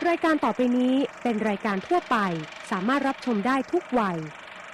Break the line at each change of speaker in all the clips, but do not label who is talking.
รายการต่อไปนี้เป็นรายการทั่วไปสามารถรับชมได้ทุกวัย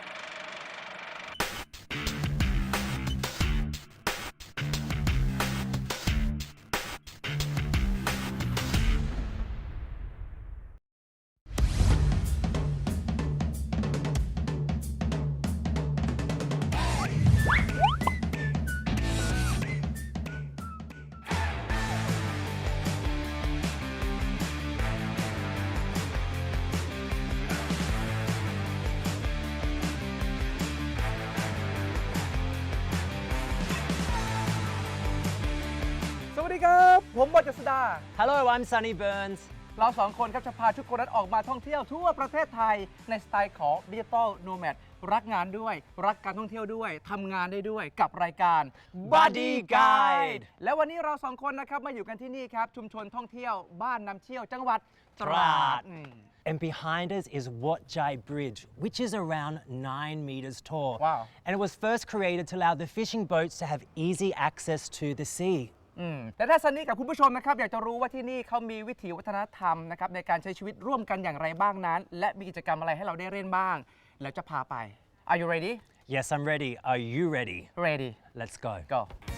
สวัสดีครับผมบอย เจษฎา
Hello, I'm Sunny Burns.
เราสองคนครับจะพาทุกคนนั้นออกมาท่องเที่ยวทั่วประเทศไทยในสไตล์ของ Digital Nomad รักงานด้วยรักการท่องเที่ยวด้วยทำงานได้ด้วยกับรายการ
Buddy Guide
และวันนี้เราสองคนนะครับมาอยู่กันที่นี่ครับชุมชนท่องเที่ยวบ้านน้ำเชี่ยวจังหวัดตราด
And behind us is Wat Jai Bridge, which is around 9 meters tall.
Wow.
And it was first created to allow the fishing boats to have easy access to the sea.
แต่ถ้าซันนี่กับคุณผู้ชมนะครับอยากจะรู้ว่าที่นี่เขามีวิถีวัฒนธรรมนะครับในการใช้ชีวิตร่วมกันอย่างไรบ้างนั้นและมีกิจกรรมอะไรให้เราได้เล่นบ้างแล้วจะพาไป Are you ready?
Yes, I'm ready. Are you ready?
Ready.
Let's go.
Go.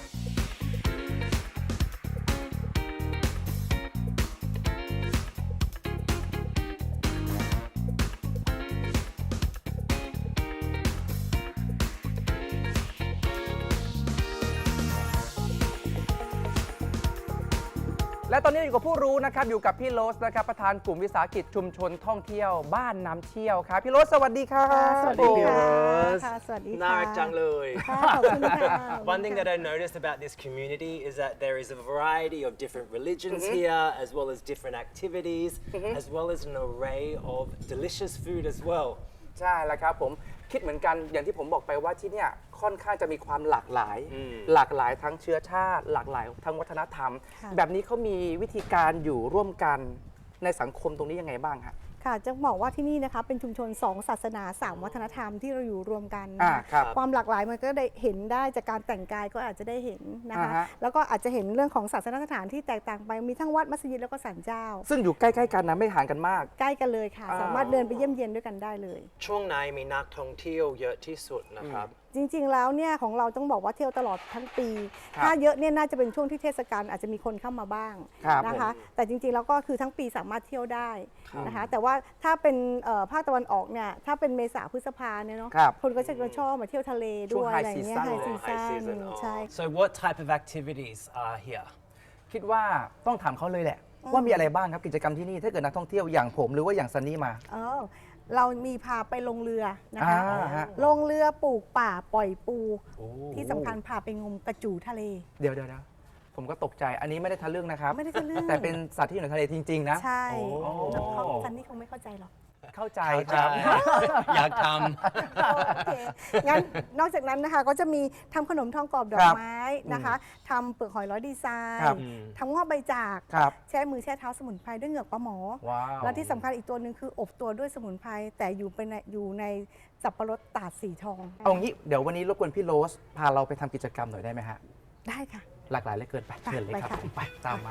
และตอนนี้อยู่กับผู้รู้นะครับอยู่กับพี่โรสนะครับประธานกลุ่มวิสาหกิจชุมชนท่องเที่ยวบ้านน้ำเชี่ยวครับพี่โรสสวัสดีครับ
สวัสดีค่ะ
ค่ะ
สวัสดีค่ะ
น่ารักจังเลย
ค่ะขอบคุณค่ะ
One thing that I noticed about this community is that there is a variety of different religions here, as well as different activities, as well as an array of delicious food as well.
ใช่แล้วครับผมคิดเหมือนกันอย่างที่ผมบอกไปว่าที่เนี่ยค่อนข้างจะมีความหลากหลาย หลากหลายทั้งเชื้อชาติ หลากหลายทั้งวัฒนธรรม
ค่ะ
แบบนี้เขามีวิธีการอยู่ร่วมกันในสังคมตรงนี้ยังไงบ้างฮะ
ค่ะจะบอกว่าที่นี่นะคะเป็นชุมชน 2 ศาสนา 3 วัฒนธรรมที่เราอยู่รวมกัน
ครับ
ความหลากหลายมันก็ได้เห็นได้จากการแต่งกายก็อาจจะได้เห็นนะคะ
ฮะ
แล้วก็อาจจะเห็นเรื่องของศาสนสถานที่แตกต่างไปมีทั้งวัดมัสยิดแล้วก็ศาลเจ้า
ซึ่งอยู่ใกล้ๆกันนะไม่ห่างกันมาก
ใกล้กันเลยค่ะ สามารถเดินไปเยี่ยมเยียนด้วยกันได้เลย
ช่วงไหนมีนักท่องเที่ยวเยอะที่สุดนะครับ
จริงๆ แล้วเนี่ยของเราต้องบอกว่าเที่ยวตลอดทั้งปี
ครับ
ถ้าเยอะเนี่ยน่าจะเป็นช่วงที่เทศกาลอาจจะมีคนเข้ามาบ้าง
ครับ
นะคะ แต่จริงๆ แล้วก็คือทั้งปีสามารถเที่ยวได้
ครับ
นะคะ แต่ว่าถ้าเป็นภาคตะวันออกเนี่ยถ้าเป็นเมษาพฤษภาเนี่ยเนาะ
ครับ
คนก็จะชอบมาเที่ยวทะเลด้วย
ช่วง high
อะไรอย่างเงี้ย
season
ไฮ
เลย
ซี
High
ซั่
season.
น
Oh.
ใช่
So what type of activities are here?
คิดว่าต้องถามเขาเลยแหละ ว่ามีอะไรบ้างครับกิจกรรมที่นี่ถ้าเกิดนักท่องเที่ยวอย่างผมหรือว่าอย่างซันนี่มา
เรามีพาไปลงเรือนะคะ
ฮะ
ลงเรือปลูกป่าปล่อยปู
โอ้
ที่สำคัญพาไปงมกระจูทะเล
เดี๋ยวผมก็ตกใจอันนี้ไม่ได้ทะลึ่งนะครับ
ไม่ได้ทะลึ่ง
แต่เป็นสัตว์ที่อยู่ในทะเลจริงๆนะ
ใช่
โอ้
ซันนี่คงไม่เข้าใจหรอก
เข้าใจ
เข้า
ค
ใจ
รับ
อยากท
โอเค งั้นนอกจากนั้นนะคะก็จะมีทำขนมทองกรอบดอ
ค
ก
รับ
ไม้นะคะทำเปลือกหอยร้อยดีไซ
ครับ
น์ทำงอกใบจาก
ครับ
แช่มือแช่เท้าสมุนไพรด้วยเหงือกปลาหมอ
ว้าว
และที่สำคัญอีกตัวหนึ่งคืออบตัวด้วยสมุนไพรแต่อยู่ในสับปะรดตาดสีทอง
เอางี้เดี๋ยววันนี้รบกวนพี่โรสพาเราไปทำกิจกรรมหน่อยได้ไหมฮะ
ได้ค่ะ
หลากหลายเหลือเกินไปเชิญเลยครับ
ไปค่ะ
ไปตามมา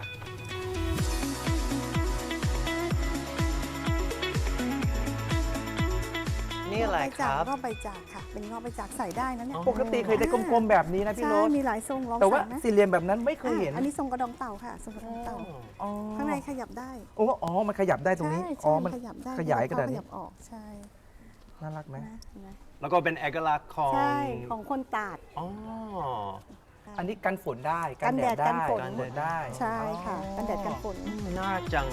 ำนี่อะไรครับ
งอกใบจากค่ะ เป็นงอกใบจากใส่ได้นะเนี่ย
ปกติเคยได้กลมๆแบบนี้นะพี่
ใช่
โรส
มีหลายทรงลอง
แต่ว่า
ใส่นะ
สี่เหลี่ยมแบบนั้นไม่เคยเห็น
อันนี้ทรงกระดองเต่าค่ะทรงกระดองเต่า
อ๋อ
ข้างในขยับได้
โอ้อ๋อมันขยับได้ตรงนี้
ใช่
อ๋อ
ใช่
มัน
ขยับได้
ขยายกระดาษ
ข
นี้
ยับออกใช่
น่ารักไหม
นะ
แล้วก็เป็นเอกลักษณ์ของ
ใช่ของคนตาด
อ๋อ
อันนี้กันฝนได้
กันแดดกันฝน
กันแดดได้
ใช่ค่ะกันแดดกันฝน
น่ารักจัง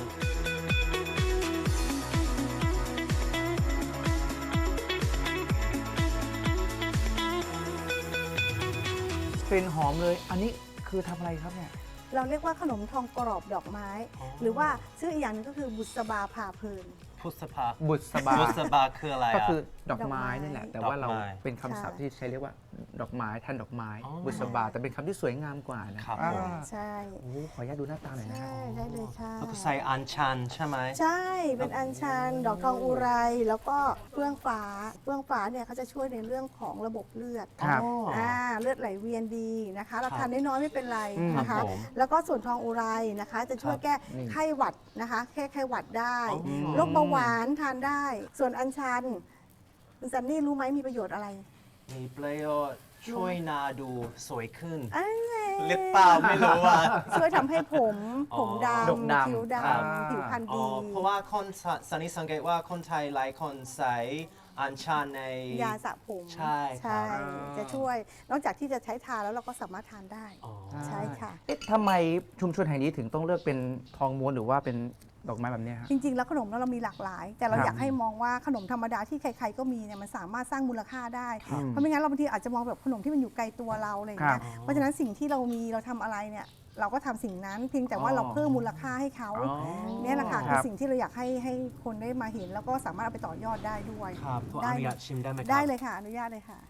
กลิ่นหอมเลย อันนี้คือทำอะไรครับเนี่ย
เราเรียกว่าขนมทองกรอบดอกไม้ หรือว่าชื่ออีกอย่างหนึงก็คือบุษบาพาเพลิน
พุทธภา
บุษบา
พุทธภาคืออะไร
ก็
อ่ะ
คือดอกไม้นี่แหละ แต่ว่าเรา
ดอกไม้
เป็นคำศัพท์ที่ใช้เรียกว่าดอกไม้แทนดอกไม้
อ๋อ
บุษบาแต่เป็นคำที่สวยงามกว่านะครับ
ผม
ใช่
โอ้ขออนุญาตดูหน้าตาหน่อยนะ
ใช่ได้เลยค่ะ
แล้วก็ใส่อัญชันใช่ไหม
ใช่ เป็นอัญชัน ดอกทองอุไร แล้วก็เฟื่องฟ้า เฟื่องฟ้าเนี่ยเขาจะช่วยในเรื่องของระบบเลือด
ครับ
เลือดไหลเวียนดีนะคะ เราทานน้อยๆไม่เป็นไรนะ
ครั
คะ
บผม
แล้วก็ส่วนทองอุไรนะคะ จะช่วยแก้
นี่
ไข้หวัดนะคะ แค่ไข้หวัดได้
อ๋อ
โรคเบาหวานทานได้ ส่วนอัญชันคุณซันนี่รู้ไหมมีประโยชน์อะไร
มีประโยชน์ช่วยหนาดูสวยขึ้น
อันไง
หรือเปล่าไม่รู้อ่ะ
ช่วยทำให้ผมด
ดกดำ
ำผิวด
ครับ
ำผิวพรรณ
อ๋อ
ดี
เพราะว่าคนสันนิษสังเกตว่าคนไทยหลายคนใส่อัญชันใน
ยาสระผม
ใช่ครับ
จะช่วย นอกจากที่จะใช้ทาแล้วเราก็สามารถทานได้
อ๋อ
ใช่ค่ะ
เอ๊ะทำไมชุมชนแห่งนี้ถึงต้องเลือกเป็นทองม้วนหรือว่าเป็นดอกไม้แบบเนี้ยฮะ
จริง ๆ แล้วขนมเรามีหลากหลาย แต่เรา
ครับ
อยากให้มองว่าขนมธรรมดาที่ใคร ๆ ก็มีเนี่ยมันสามารถสร้างมูลค่าได้
ครับ
เพราะไม่งั้นเราบางทีอาจจะมองแบบขนมที่มันอยู่ไกลตัวเราอะไรอย่างเงี้ย
ครับ
เพราะฉะนั้นสิ่งที่เรามีเราทำอะไรเนี่ยเราก็ทำสิ่งนั้น เพียงแต่ว่าเราเพิ่มมูลค่าให้เขา
อ๋อ
เนี่ยแหละค่ะ
ค
คือ
รับ
สิ่งที่เราอยากให้คนได้มาเห็น แล้วก็สามารถเอาไปต่อยอดได้ด้วย
ครับขออนุญาตชิมได้ไหมครับ
ได้เลยค่ะอนุญาตเลยค่ะ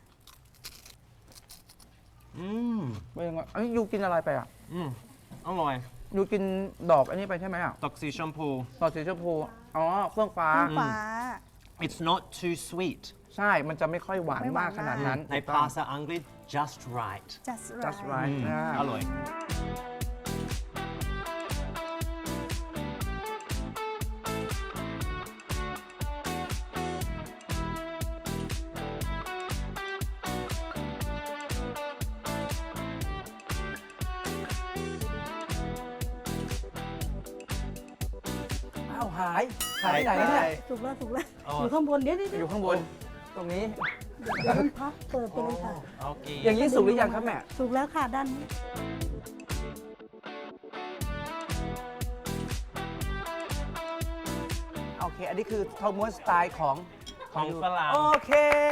อืม
ไม่ยังไงเอ้ยยูกินอะไรไปอ่ะ
อร่อย
ยูกินดอกอันนี้ไปใช่ไหมอ่ะ
ดอกสีชมพู
ดอกสีชมพูอ๋อเฟื่องฟ้า
ฟ้า
It's not too sweet
ใช่ มันจะไม่ค่อยหวาน
ไม่หวาม
าน กขนาดนั้น
ใน
ถูกต้อง
ภาษาอังกฤษ just right
just
Just
right
right อ่า
อร่อย
อ้าวหายที่ไหนเนี่ย
ถูกแล้วถูกแล้ว
อ๋อ
อ
อ
ยู่ข้างบนเดี๋ยว
อยู่ข้างบน ตรงนี้
เดี๋ยวมันพับเปิดไปเลยค่ะ
โอเค
อย่างนี้สุกหรือยังครับแม่
ถูกแล้วค่ะด้านนี้
โอเค อันนี้คือทองม้วนสไตล์ของ
ของฝรั่ง
โอเค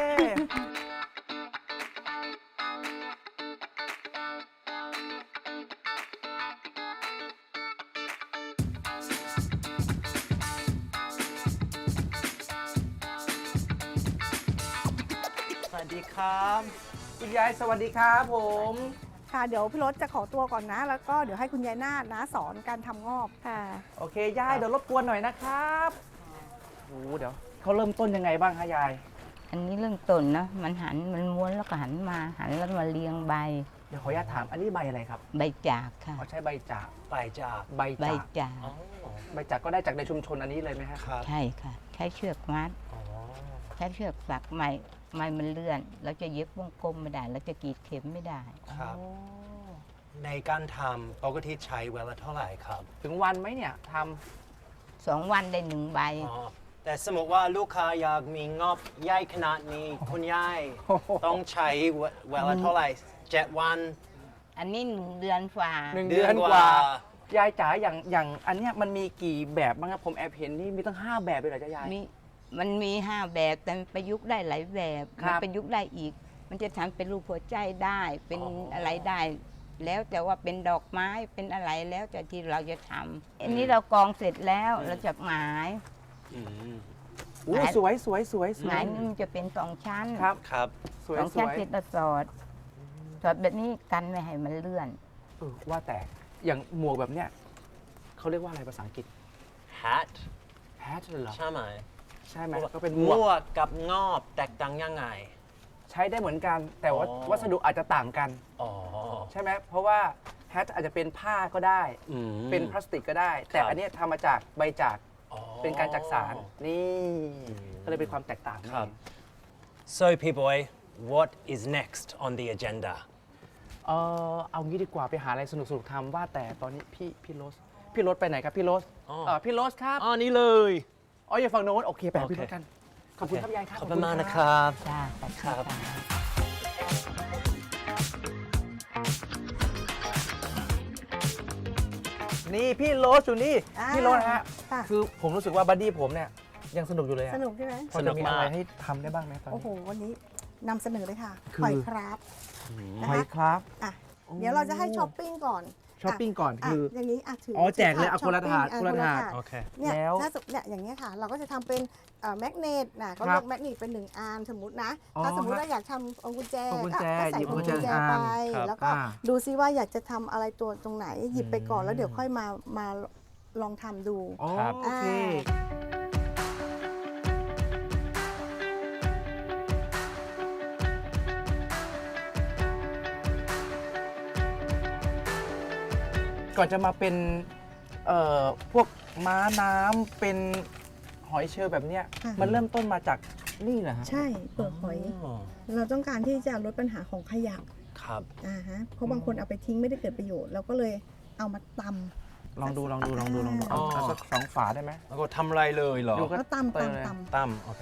สวัสดีครับ
คุณยายสวัสดีครับผม
ค่ะเดี๋ยวพี่รถจะขอตัวก่อนนะ แล้วก็เดี๋ยวให้คุณยายนาฏนะสอนการทำงอบค่ะ
โอเค ยายเดี๋ยวรบกวนหน่อยนะครับโอ้เดี๋ยวเขาเริ่มต้นยังไงบ้างคะยาย
อันนี้เรื่องต้นนะมันหันมันม้วนแล้วก็หันมาหันแล้วมาเรียงใบ
เดี๋ยวขออนุญาตถาม อันนี้ใบอะไรครับ
ใบจากค่ะ
เขาใช้ใบจาก
ไปจาก
ใบ
ใบ
จาก
จาก
อ๋อ
ใบจากก็ได้จากในชุมชนอันนี้เลยไหมฮะ
ครับ
ใช่ค่ะ ใช้เชือกมัด
อ๋อ
ใช้เชือกสักไม้มันเลื่อนเราจะเย็บวงกลมไม่ได้เราจะกรีดเข็มไม่ได้
ครับ ในการทำปกติใช้เวลาเท่าไหร่ครับ
ถึงวันไหมเนี่ยท
2 วันได้1 ใบ
อ๋อ แต่สมมติว่าลูกค้าอยากมีงบใหญ่ขนาดนี้ คุณยายต้องใช้เวลาเท่าไหร่7 วัน
อันนี้1 เดือนฝ่า
ำ1 เดือนกว่า ยายจ๋าอย่างอันเนี้ยมันมีกี่แบบบ้างครับผมแอบเห็นนี่มีตั้ง 5 แบบเลยเหรอจ๊ะยาย
มันมี5 แบบแต่มันประยุกต์ได้หลายแบบ
ครับ
มันประยุกต์ได้อีก มันจะทำเป็นรูปหัวใจได้เป็น
อ๋ออ
อะไรได้ แล้วแต่ว่าเป็นดอกไม้เป็นอะไรแล้วแต่ที่เราจะทำอันนี้เรากรองเสร็จแล้วเราจะหมาย
อืม
อู้สวยสวยสวยส
ห
ว
มาย ยนี่มันจะเป็น2 ชั้น
ครับ
ครับ
สวย
สอง
ส
ชั้น
วย
เสร็จแล้วสอดแบบนี้กันไม่ให้มันเลื่อน
ว่าแต่อย่างหมวกแบบเนี้ยเขาเรียกว่าอะไรภาษาอังกฤษ
hat
hat เหรอ
ใช่ไหม
ใช่ไหมก็เป็นห
ห
ม
ม
วก
วกกับงอบแตกต่างยังไง
ใช้ได้เหมือนกัน แต่ว่า
อ๋อ
วัสดุอาจจะต่างกัน
อ๋อ
ใช่ไหมเพราะว่า hat อาจจะเป็นผ้าก็ได้
อืม
เป็นพลาสติกก็ได้ แต่
ครับ
อันเนี้ยทำมาจากใบจาก
อ๋อ
เป็นการจักสารนี่ก็เลยเป็นความแตกต่าง
ครับ
นี่
So P-Boy what is next on the agenda
เอางี้ดีกว่าไปหาอะไรสนุกๆทำว่าแต่ตอนนี้พี่โรสไปไหนครับพี่โรส
อ๋อ
พี่โรสครับ
อ๋อนี่เลย
อ๋ออย่าฝั่งโน้นโอเคไปหา
โอเค
พี่โรสกันขอบคุณครับยายครับ
ขอบคุณมากนะครับ
จ้าขอบคุณ
ครับ
ค่ะ
นี่พี่โรสอยู่นี่
อ่า
พี่โรสฮะ
ค่ะ
คือผมรู้สึกว่าบัดดี้ผมเนี่ยยังสนุกอยู่เลยอะ
สนุกใช่ไหม
พอจะมีอะไรให้ทำได้บ้างไหมตอน
โอ้
นี้
โห วันนี้นำเสนอเลยค่ะ
คือ
หอยครับนะ
หอย
คะ
ครับ
อ่ะเดี๋ยวเราจะให้ช้อปปิ้งก่อน
ช้อปปิ้งก่อนคือ
อย่างนี้ถือ
อ๋อแจกเลยเอาคนละถาด
ช้อปปิ้ง
คนละถาด
คน
โอเค
เนี่ย
แล้ว
ถ้าสมเนี่ยอย่างเงี้ยค่ะ เราก็จะทำเป็นแมกเนตนะก็
ครั
เลื
บอก
แมกเนตเป็น1อันสมมตินะ
อ๋อ
ถ้าสมมติว่าอยากทำองกุญแจ
พวงกุญแจ
ก็ใส่
หยิบ
พวงกุญแจ
กุญแจ
ไป
ครับ
แล้วก็
อ่า
ดูซิว่าอยากจะทำอะไรตัวตรงไหน หยิบไปก่อนแล้วเดี๋ยวค่อยมาลองทำดู
อ๋อ
ครับ
โอเค ก่อนจะมาเป็นพวกม้าน้ำเป็นหอยเชลล์แบบเนี้ย
ค่ะ
มันเริ่มต้นมาจากนี่เหรอฮะ
ใช่เปลือกหอย เราต้องการที่จะลดปัญหาของขยะ
ครับ
เพราะบางคนเอาไปทิ้งไม่ได้เกิดประโยชน์เราก็เลยเอามาตำ
ลองดูเอาเอาสักสองฝาได้ไหม
แล้วก็ทำอะไรเลยเหรอ
ดูก็
แล้วตำ
เปิดเลย
ตั้มโอเค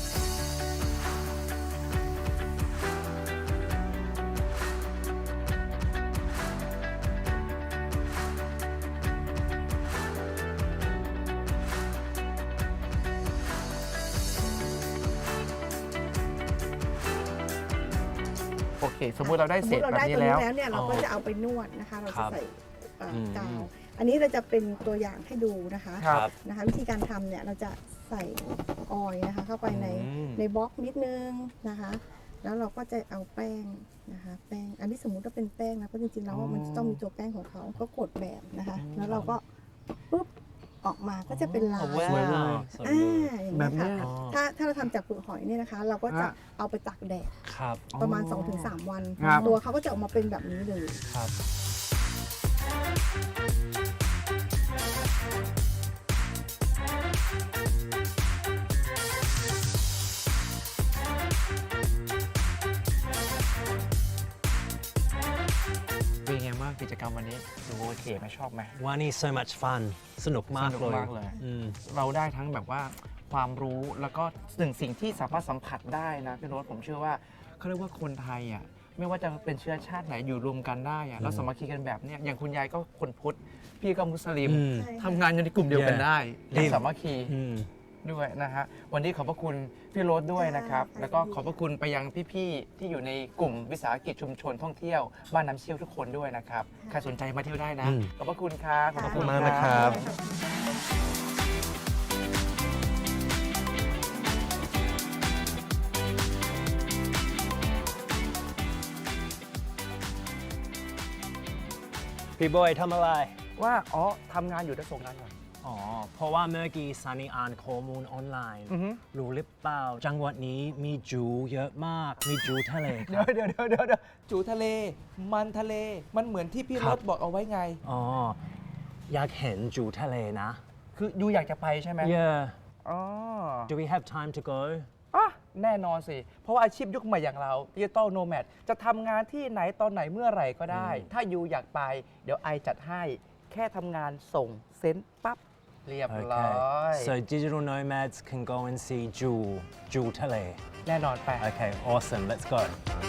โอเค สมมุติเราได้
สม
เศ
ม
ษ
ติเรา
แบบ
ได้
นี้
ตัวนี้
แล้ว
แล้วเนี่ยเราก็
อ๋อ
จะเอาไปนวดนะคะ เรา
ครั
จะ
บ
ใส่
อืม
กาว อันนี้เราจะเป็นตัวอย่างให้ดูนะคะ
ครับ
นะคะ วิธีการทำเนี่ยเราจะใส่ออยล์นะคะ เข้าไปใน
อืม
ในบล็อกนิดนึงนะคะ แล้วเราก็จะเอาแป้งนะคะ แป้งอันนี้สมมุติว่าเป็นแป้งนะเพราะจริงๆแล้วว่ามันจะต้องมีตัวแป้งของเขาก็กดแบบนะคะ แล้วเราก็ปุ๊บออกมาก็จะเป็นลาย
สวยเลยสวยเลย
อย่าง
แบ
นี้
บเนี้
ค่ะ
ย
ถ้าเราทำจากเปลือกหอยเนี่ยนะคะ เราก็จะ
ฮะ
เอาไปตากแดด
ครับ
ประมาณ 2-3 วัน
ครับ
ตัวเขาก็จะออกมาเป็นแบบนี้เลย
ครับ
เป็นไงบ้างกิจกรรมวันนี้ดูโอเคไหมชอบไหม
วันนี้ so much fun สนุกมาก
สนุ
เล
ก
ย
มากเลย
อืม
เราได้ทั้งแบบว่าความรู้แล้วก็สิ่งที่สามารถสัมผัสได้นะพี่โรสผมเชื่อว่าเขาเรียกว่าคนไทยอ่ะไม่ว่าจะเป็นเชื้อชาติไหนอยู่รวมกันได้อ่ะเราสามัคคีกันแบบเนี้ยอย่างคุณยายก็คนพุทธพี่ก็มุสลิม
อืม
ทำงานอยู่ในกลุ่มเดียวกันได้
Yeah
อย่างสามัคคี
อืม
ด้วยนะฮะวันนี้ขอบพระคุณพี่โรสด้วยนะครับ
ค่ะ
แล้วก็ขอบพระคุณไปยังพี่ๆที่อยู่ในกลุ่มวิสาหกิจชุมชนท่องเที่ยวบ้านน้ำเชี่ยวทุกคนด้วยนะครับใครสนใจมาเที่ยวได้นะ
อืม
ขอบพระคุณครับขอบพระคุณ
ขอบคุณมากนะครับ พี่บอยทำอะไร
ว่าอ๋อทำงานอยู่จะส่งงานก่อน
อ๋อ เพราะว่าเมื่อกี้ซันนี่อ่านข้อมูลออนไลน์
อือฮึ
รู้หรือเปล่า จังหวัดนี้มีจูเยอะมาก มีจูทะเลค
เดี๋
รั
ยว
บ
เดี๋ยวจูทะเล มันทะเล มันเหมือนที่พี่
ครั
ร
บ
ถบอกเอาไว้ไง
อ๋อ อยากเห็นจูทะเลนะ
คือยูอยากจะไปใช่ไหม
Yeah
อ๋อ
Do we have time to go
อ่ะแน่นอนสิ เพราะว่าอาชีพยุคใหม่อย่างเราดิจิตอลโนแมดจะทำงานที่ไหนตอนไหนเมื่อไหร่ก็ได้ ถ้ายูอยากไป เดี๋ยวไอจัดให้ แค่ทำงานส่งเซ็นปั๊บ เรียบร้อย
So digital nomads can go and seeจูทะเล
แน่นอนไป
Okay awesome let's go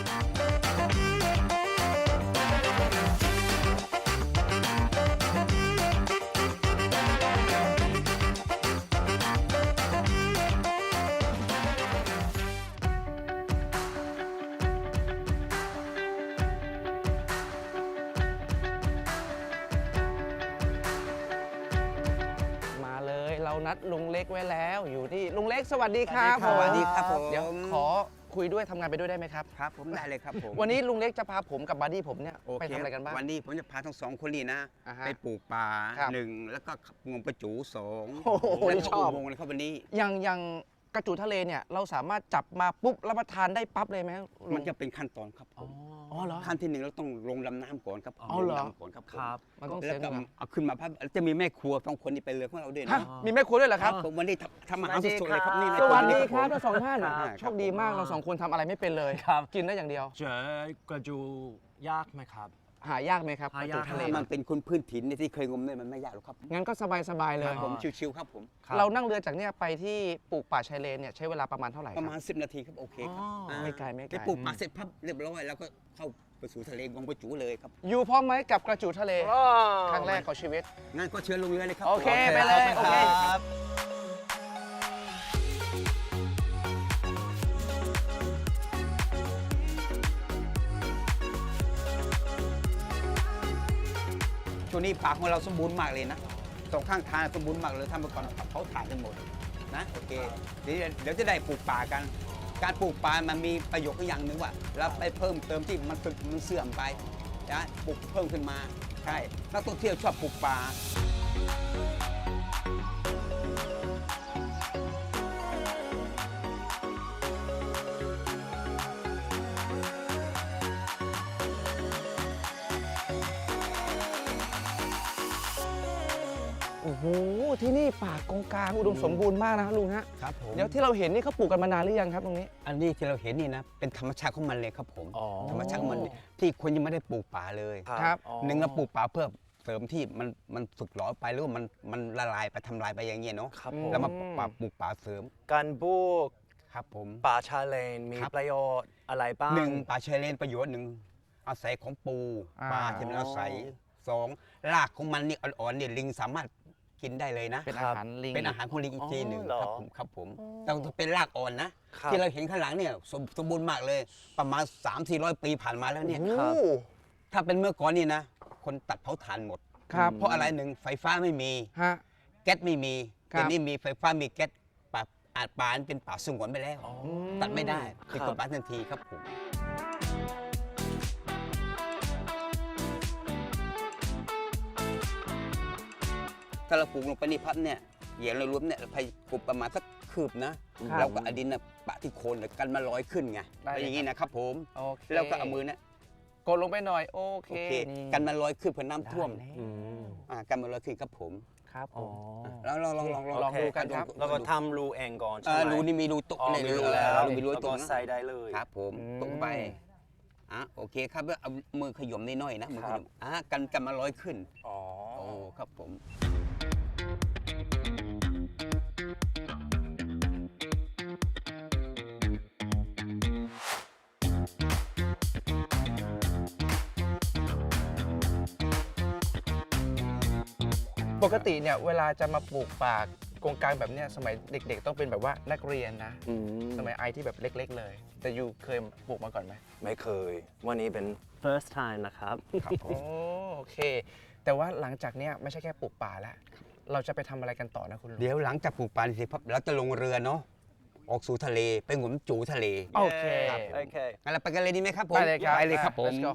มาเลยเรานัดลุงเล็กไว้แล้วอยู่ที่ลุงเล็กสวัสดีครับ
สวัสดีครับผม
เดี๋ยวขอคุยด้วยทำงานไปด้วยได้ไหมครับ
ครับผมได้เลยครับผม
วันนี้ลุงเล็กจะพาผมกับบัดดี้ผมเนี่ย
โอ
ไป
เค
ทำอะไรกันบ้าง
วันนี้ผมจะพาทั้งสองคนนี่นะ
อ่าฮะ
ไปปลูกป่า
ครับ
หนึ่งแล้วก็งมกระจูสอง
โอ้โห
แล้ว
นี่
ก็
ชอบ
อุโมงค์เลยครับวันนี้
อย่างกระจูทะเลเนี่ยเราสามารถจับมาปุ๊บรับประทานได้ปั๊บเลยไหม
มันจะเป็นขั้นตอนครับผม
อ๋อเหรอ
ขั้นที่หนึ่งเราต้องลงลำน้ำก่อนครับ
อ๋อเหรอ
ลงน้ำก่อนครับผม
ครับ
มันต้อง
แล้
เซ็
วน ก็
ก่อน
เอาขึ้นมาพับจะมีแม่ครัวสองคนนี่ไปเรือของเราด้วย
ฮะ
นะ
มีแม่ครัวด้วยเหรอครับ
ผมวันนี้ทำอาหารสดๆเลยครับนี่
สวัสดี
ใน
ครับ
ผม
ทั้งสองท่าน
ครับ
โชคดีมากเราสองคนทำอะไรไม่เป็นเลย
ครับ
กินได้อย่างเดียว
เจอกระจูยากไหมครับ
หายากไหมครับก
หา
ระ
ยาก
จูทะเล
ถ้ามันเป็นคนพื้นถิ่นเนี่ยที่เคยงมเนี่ยมันไม่ยากหรอกครับ
งั้นก็สบายๆเล
ครั
ย
บผมชิวๆครับผม
เรานั่งเรือจากเนี่ยไปที่ปลูกป่าชายเลนเนี่ยใช้เวลาประมาณเท่าไหร่ค
ป
รับ
ระมาณ10 นาทีครับโอเคครับ
อ๋อไม่ไกลไม่ไกล
ไปปลูกป่าเสร็จพับเรียบร้อยแล้วก็เข้าไปสู่ทะเลงมกระจูเลยครับ
อยู่พร้อมไหมกับกระจูทะเล ครั้งแรกของชีวิต
งั้นก็เชิญลงเรือเลยครับ
โอเคไปเลยโอเค
ครับ
โ
ตัวนี้ป่าของเราสมบูรณ์มากเลยนะสองข้างทางสมบูรณ์มากเลยทำมาก่อนเขาถ่ายกันหมดนะโอเคเดี๋ยวจะได้ปลูกป่ากัน การปลูกป่ามันมีประโยชน์อย่างหนึ่งว่าเราไปเพิ่มเติมที่มันเสื่อมไปนะปลูกเพิ่มขึ้นมาใช่นักท่องเที่ยวชอบปลูกป่า
โอ้โหที่นี่ป่ากงกลางอุดมสมบูรณ์มากนะครับลุงฮะ
ครับผม
เดี๋ยวที่เราเห็นนี่เขาปลูกกันมานานหรือยังครับตรงนี้
อันนี้ที่เราเห็นนี่นะเป็นธรรมชาติของมันเลยครับผม
อ๋อ
ธรรมชาติของมันที่คนยังไม่ได้ปลูกป่าเลย
ครับ
หนึ่งเราปลูกป่าเพื่อเสริมที่มันสึกหรอไปหรือว่ามันละลายไปทำลายไปอย่างเงี้ยเนาะ
ครับผม
แล้วมาปลูกป่าเสริม
การปลูก
ครับผม
ป่าชาเลนมี
ครับ
ประโยชน์อะไรบ้าง
หนึ่งป่าชายเลนประโยชน์หนึ่งอาศัยของปู
อ่า
ปลาที่มันอาศัยสองรากของมันนี่อ่อนๆเนี่ยลิงสามารถกินได้เลยนะ
เป็นอาหารลิง
เป็นอาหารของลิงอีกทีหนึ่ง
อ๋อ
ครับผมแต่เป็นรากอ่อนนะ ที่เราเห็นข้างหลังเนี่ยสมบูรณ์มากเลย ประมาณ 300-400 ปีผ่านมาแล้วเนี่ย
ครับ
ถ้าเป็นเมื่อก่อนนี่นะ คนตัดเผาถ่านหมด
ครับ
เพราะอะไรหนึ่งไฟฟ้าไม่มี
ฮะ
แก๊สไม่มี
ครับ
แต่นี่มีไฟฟ้ามีแก๊สป่าอาจป่าเป็นป่าสงวนไปแล้ว ตัดไม่ได้เป็นกฎหมายทันทีครับผมถ้าเราปลูกลงไปในพับเนี่ยอย่างเรารวมเนี่ยเราพยปลูกประมาณสักคืบนะ
ครับ
เราก็เอาดินน่ะปะที่โคนแล้วกันมาลอยขึ้นไง
ได้เลย
อย่างนี้นะครับผม
โอเค
แล้วก็เอามือเนี่ย
กดลงไปหน่อยโอเค
โอเค
นี่
กันมาลอยขึ้นเพื่อน้ำท่วม
ได้แล้ว
อืม
กันมาลอยขึ้นครับผม
ครับผ
อ๋อ
ม
แล้วลอง
ลองดูกันครับ
แล้วก็ทำรูเองก่อน
เอ
ใช่
อ
ไหม
รูนี่มีรูตุก
อ๋อ
เนี่ย
มีรูแล้ว
มีรู
แล้ว
ตุ
ก็
กนะ
ใส่ได้เลย
ครับผม
อืม
ตุกไปโอเคครับแล้วเอามือขยมนิดหน่อยนะมือข
ครั
ย
บ
มกันมาลอยขึ้น
อ๋อ
โอ้ครับผม
ปกติเนี่ยเวลาจะมาปลูกป่ากงกลางแบบเนี้ยสมัยเด็กๆ ต้องเป็นแบบว่านักเรียนนะ
อืม
สมัยไอที่แบบเล็ก ๆ เลย แต่ยูเคยปลูกมาก่อนไหม
ไม่เคย วันนี้เป็น first time นะครับ
ครับ โอเค แต่ว่าหลังจากเนี้ยไม่ใช่แค่ปลูกป่าแล้ว เราจะไปทำอะไรกันต่อนะคุณลุง
เดี๋ยวหลังจากปลูกป่าเสร็จปั๊บเราจะลงเรือเนาะออกสู่ทะเลไปงมจูทะเล
โอเค
โอเค
งั้นเราไปกันเลยดีไหมครับผม
ไปเลยครับ
ไปเลยครับผม
Let's go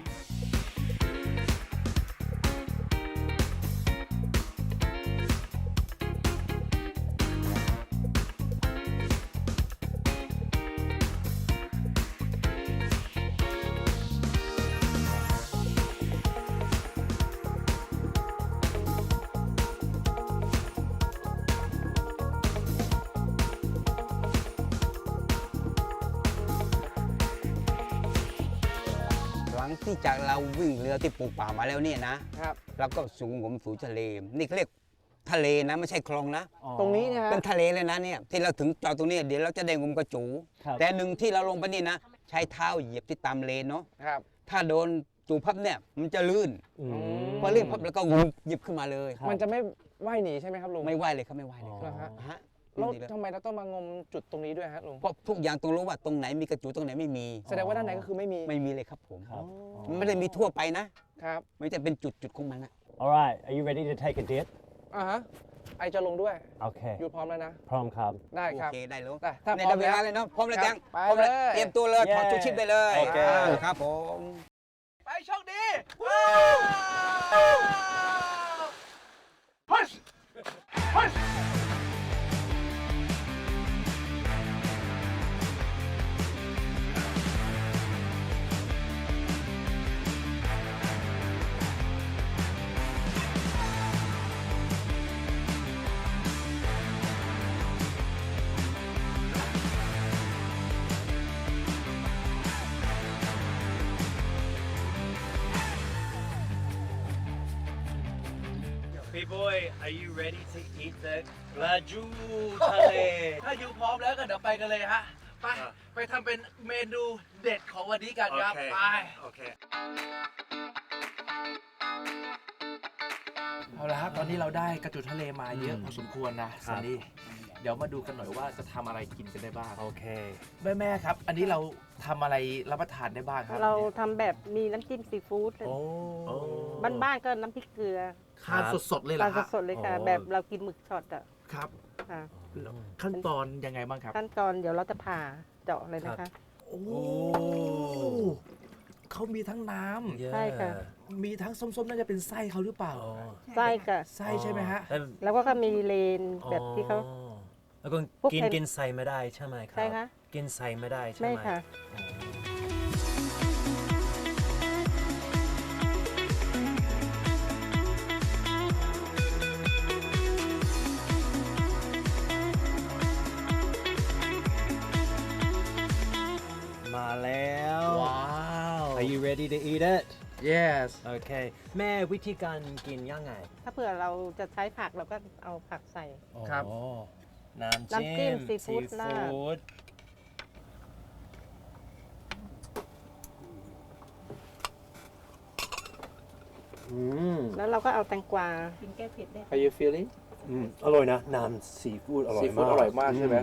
หลังที่จากเราวิ่งเรือที่ปลูกป่ามาแล้วเนี่ยนะครับ เราก็สูงงมสู่ทะเล นี่เขาเรียกทะเลนะไม่ใช่คลองนะ
ตรงนี้เนี่ยฮะ
เป็นทะเลเลยนะเนี่ยที่เราถึงจอดตรงนี้เดี๋ยวเราจะได้งมกระจู
ครับ
แต่หนึ่งที่เราลงไปนี่นะ ใช้เท้าเหยียบที่ตามเลนเนาะ
ครับ
ถ้าโดนจูพับเนี่ยมันจะลื่น
อืม
พอลื่นพับแล้วก็งมหยิบขึ้นมาเลย
มันจะไม่ว่ายหนีใช่ไหมครับลุง
ไม่ไหวเลยครับไม่ไหวเลย
เหรอฮะ
ฮะ
แล้ว
ดีเลย
ทำไมเราต้องมางมจุดตรงนี้ด้วยฮะลุง
เพราะทุกอย่างต้องรู้ว่าตรงไหนมีกระจูตรงไหนไม่มี
แสดงว่าด้านในก็คือไม่มี
ไม่มีเลยครับผม
ครับ
มันไม่ได้มีทั่วไปนะ
ครับ
มันจะเป็นจุดของมันนะ
Alright are you ready to take a dip
อ่าฮะ ไอจะลงด้วย
โอเค
ยูพร้อมแล้วนะ
พร้อมครับ
ได้
โอ
ครับ
เคได้แล้ว
ได้ถ้า
ใน
พร้อม
เวลา
แล้ว
เลยเนาะพร้อมแล้ว
ครั
จั
บ
ง
ไป
พร้อมแล้ว
เลย
เตรียมตัวเลยถอด
เย้
ชูชีพได้เลย
โอเค
ครับผม
ไปโชคดี
Big boy are you ready to eat the ปลาจูทะเล
ถ้ายูพร้อมแล้วก็เดี๋ยวไปกันเลยฮะ ไป ไปทำเป็นเมนูเด็ดของวันนี้กันครับ ไป
โอเค
เอาละครับ ตอนนี้เราได้กระจุดทะเลมาเยอะพอสมควรนะซันนี่ เดี๋ยวมาดูกันหน่อยว่าจะทำอะไรกินกันได้บ้าง
โอเค
แม่ๆครับ อันนี้เราทำอะไรรับประทานได้บ้างครับ
เราทำแบบมีน้ำจิ้มซีฟู้ด
โอ้
บ้านๆก็น้ำพริกเกลือ
ทานสดๆเลยเหร
ป
อ
ลา
ฮะ
สดๆเลยค่ะ
อ๋อ
แบบเรากินหมึกช็อตอ่ะ
ครับ
ค่ะ
แล้วขั้นตอนยังไงบ้างครับ
ขั้นตอนเดี๋ยวเราจะผ่าเจาะเลยนะคะ
โอ้เขามีทั้งน้ำ
ใช่ค่ะ
มีทั้งส้มๆน่าจะเป็นไส้เขาหรือเปล่า
ไส้ค่ะ
ไส้ใช่ไหมฮะ
แล้วก็มีเลนแบบที่เขา
แล้วก็
พวก
กิน
แผ่น
กินใส่ไม่ได้ใช่ไหมครับ
ใช่คะ
กินใส่ไม่ได้ใช่ไหม
ไม่ค่ะ
มาแล้ว
ว้าว
Are you ready to eat it
yes
โอเค แม่วิธีการกินยังไง
ถ้าเผื่อเราจะใช้ผักเราก็เอาผักใส่
ครับ
อ๋อน้ำ
น้ำจิ้
จิ้
ม
ม
ซีฟู้ดราด
ด
แล้วเราก็เอาแตงกวากินแก้เผ็ดได้
How you feeling
อร่อยนะ น้ำซีฟู้ดอร่อย
ซีฟู้ด
มาก
อร่อยมากใช่ไหม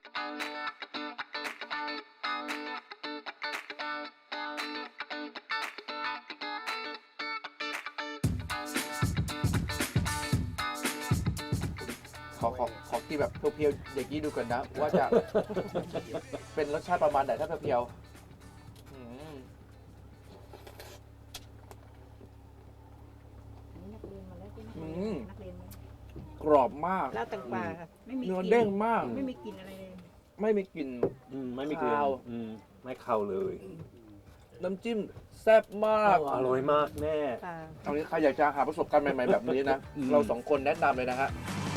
ขอกินแบบเพียวๆอย่างนี้ดูกันนะ ว่าจะ เป็นรสชาติประมาณไหนถ้าเพียวๆอืมอืมกรอบมาก
แล้วแตงกวาค่ะ
เนื้อเด้งมาก
ไม่มีกลิ่นอะไรเลย
ไม่มีกลิ่น
ไม่มีกลิ่น
ข้าว
ไม่เข้าเลย
น้ำจิ้มแซ่บมาก
อร่อยมากแม่
ค่ะ
ตอนนี้ใครอยากจะหาประสบการณ์ใหม่ ๆ แบบนี้นะ เราสองคนแนะนำเลยนะฮะ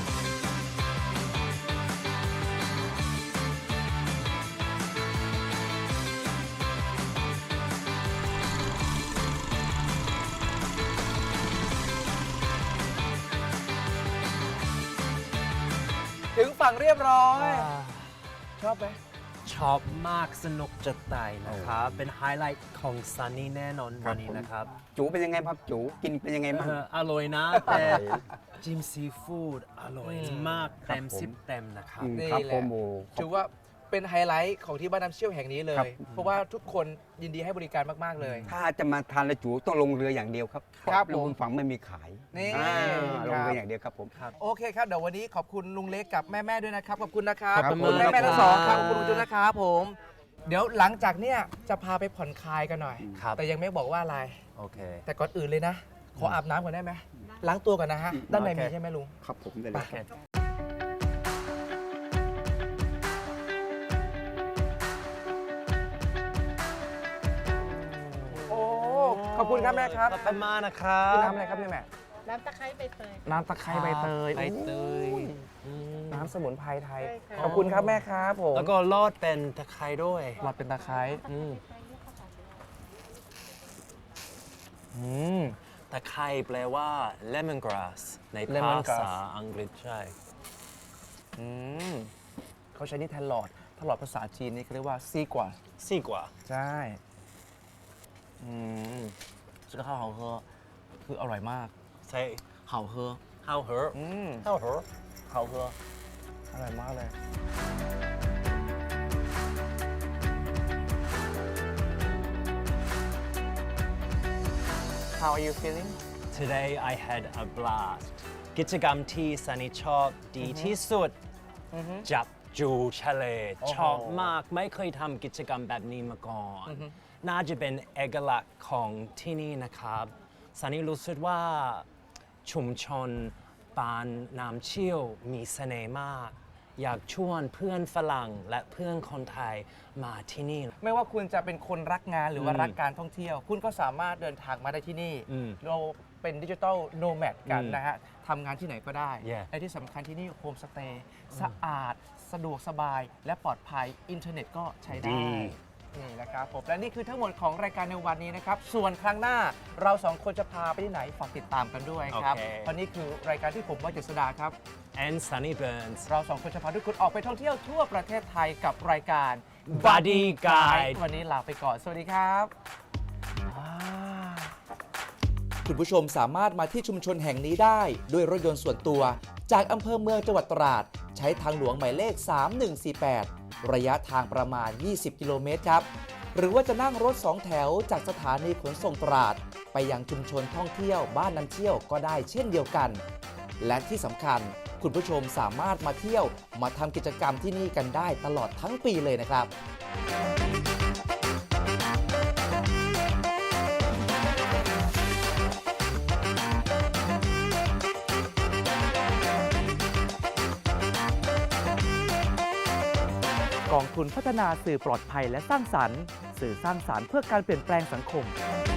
ถึงฝั่งเรียบร้อย ชอบไหม
ชอบมากสนุกจะตายนะครับ เป็นไฮไลท์ของซันนี่แน่นอนวันนี้นะครับ
จูเป็นยังไงครับจูกินเป็นยังไงบ้าง
อร่อยนะ แต่จิ้มซีฟู้ดอร่อยมากเต็ม
ผม
10 เต็มนะครับ
นี่
ครับ
แห
ผ
ละ
มโอ้
ถือว่าเป็นไฮไลท์ของที่บ้านน้ำเชี่ยวแห่งนี้เล
ครั
ย
บ
เพราะว่าทุกคนยินดีให้บริการมาก ๆ เลย
ถ้าจะมาทานละจูต้องลงเรืออย่างเดียวครับ
ครับ
ล
ผ
ง
ม
บนฝั่งไม่มีขาย
นี่
ลง
ค
เรื
รับ
ออย่างเดียวครับผม
โอเคครับ เดี๋ยววันนี้ขอบคุณลุงเล็กกับแม่ๆด้วยนะครับ ขอบคุณนะครับ
ครับ
ขอบคุณ
ผม
แม่ๆทั้งสองครับ ขอบคุณลุงจุนนะครับผม เดี๋ยวหลังจากเนี้ยจะพาไปผ่อนคลายกันหน่อย
ครับ
แต่ยังไม่บอกว่าอะไร
โอเค
แต่ก่อนอื่นเลยนะ ขออาบน้ำก่อนได้ไหม ล้างตัวก่อนนะฮะ ด้านใน
โอเค
มีใช่ไหมลุง
ครับผมได้เลย
โอ้ ขอบคุณครับแม่ครับ
ขอบคุณมากนะครับ
คือน้ำอะไรครับเนี่ยแม่
น้ำตะไคร้ใบเตย
น้ำตะไคร้ใบเตย
ใบเตย
โอ้น้ำสมุนไพรไทย
ใช่ค่ะ
ขอบคุณครับแม่ครับผม
แล้วก็ลอดเป็นตะไคร้ด้วย
หลอดเป็นตะไคร้อืม
ตะไคร้แปลว่า lemon grass ในภา
Lemon grass
ษาอังกฤษใช่
อืมเขาใช้นี่แทนหลอด ถ้าหลอดภาษาจีนนี่เขาเรียกว่าซีกว่า
ซี่กว่า
ใช่อืมซึ่งข้าวเขาคืออร่อยมาก
ใช่
เขาเฮอ
how her
อืม
how her
เขาเฮออร่อยมากเลย How are you feeling
Today I had a blast กิจกรรมที่ซันนี่ชอบดีที่สุด จับจูทะเล
โอ้โห
ชอบมากไม่เคยทำกิจกรรมแบบนี้มาก่อน น่าจะเป็นเอกลักษณ์ของที่นี่นะครับซันนี่รู้สึกว่าชุมชนปานน้ำเชี่ยวมีเสน่ห์มาก อยากชวนเพื่อนฝรั่งและเพื่อนคนไทยมาที่นี่
ไม่ว่าคุณจะเป็นคนรักงานหรือว่ารักการท่องเที่ยว คุณก็สามารถเดินทางมาได้ที่นี่ เราเป็นดิจิทัลโนแมดกันนะฮะทำงานที่ไหนก็ได้
Yeah
และที่สำคัญที่นี่โฮมสเตย์สะอาด สะดวกสบาย และปลอดภัย อินเทอร์เน็ตก็ใช้ได้ นี่นะครับผม และนี่คือทั้งหมดของรายการในวันนี้นะครับ ส่วนครั้งหน้าเราสองคนจะพาไปที่ไหน ฝากติดตามกันด้วยครับ
โอเค
เพราะนี่คือรายการที่ผมว่าเจษดาครับ
and Sunny Burns
เราสองคนจะพาทุกคนออกไปท่องเที่ยวทั่วประเทศไทยกับรายการ
Buddy Guide
วันนี้ลาไปก่อน สวัสดีครับ คุณผู้ชมสามารถมาที่ชุมชนแห่งนี้ได้ด้วยรถยนต์ส่วนตัว จากอำเภอเมืองจังหวัดตราด ใช้ทางหลวงหมายเลข 3148 ระยะทางประมาณ 20 กิโลเมตรครับ
หรือว่าจะนั่งรถ2 แถวจากสถานีขนส่งตราดไปยังชุมชนท่องเที่ยวบ้านน้ำเที่ยวก็ได้เช่นเดียวกัน และที่สำคัญคุณผู้ชมสามารถมาเที่ยวมาทำกิจกรรมที่นี่กันได้ตลอดทั้งปีเลยนะครับ กองทุนพัฒนาสื่อปลอดภัยและสร้างสรรค์ สื่อสร้างสรรค์เพื่อการเปลี่ยนแปลงสังคม